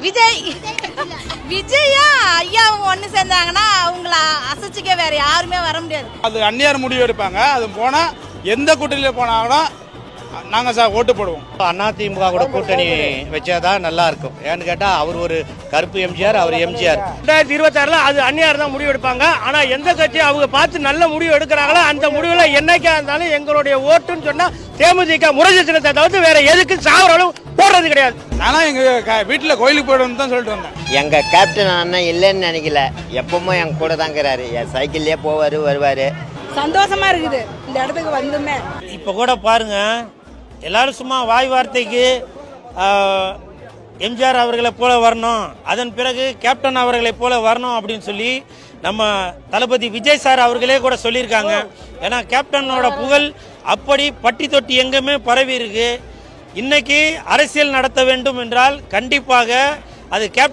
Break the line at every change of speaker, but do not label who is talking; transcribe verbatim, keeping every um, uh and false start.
விஜய் விஜயா ஐயா ஒன்று சேர்ந்தாங்கன்னா அவங்கள அசைச்சிக்க வேற யாருமே வர முடியாது.
அது அந்நியார் முடிவு எடுப்பாங்க. அது போனா எந்த கூட்டணியில் போனாலும் நாங்க சார் ஓட்டு போடுவோம்.
அதிமுக கூட கூட்டணி வச்சாதான் நல்லா இருக்கும். ஏன்னு கேட்டா அவர் ஒரு கருப்பு எம்ஜிஆர், அவர் எம்ஜிஆர்.
ரெண்டாயிரத்தி இருபத்தி ஆறுல அது அந்நியார் தான் முடிவு எடுப்பாங்க. ஆனா எந்த கட்சி அவங்க பார்த்து நல்ல முடிவு எடுக்கிறாங்களோ அந்த முடிவுல என்னைக்கா இருந்தாலும் எங்களுடைய ஓட்டுன்னு சொன்னா தேமுதிக முரசு சின்னத்தை தவிர்த்து வேற எதுக்கு சாவரம் போடுறது கிடையாது.
ஆனா எங்க வீட்டுல கோயிலுக்கு போயிடும் தான் சொல்லிட்டு வந்தேன்.
எங்க கேப்டன் அண்ணன் இல்லைன்னு நினைக்கல, எப்பவுமே எங்க கூட தாங்கிறாரு. என் சைக்கிள்லயே போவாரு வருவாரு.
சந்தோஷமா இருக்குது இந்த இடத்துக்கு வந்துமே.
இப்போ கூட பாருங்க, எல்லாரும் சும்மா வாய் வார்த்தைக்கு எம்ஜிஆர் அவர்களை போல வரணும், அதன் பிறகு கேப்டன் அவர்களை போல வரணும் அப்படின்னு சொல்லி நம்ம தளபதி விஜய் சார் அவர்களே கூட சொல்லியிருக்காங்க. ஏன்னா கேப்டனோட புகழ் அப்படி பட்டி தொட்டி எங்குமே பரவி இருக்கு. இன்னைக்கு அரசியல் நடத்த வேண்டும் என்றால் கண்டிப்பாக அது கேப்டன்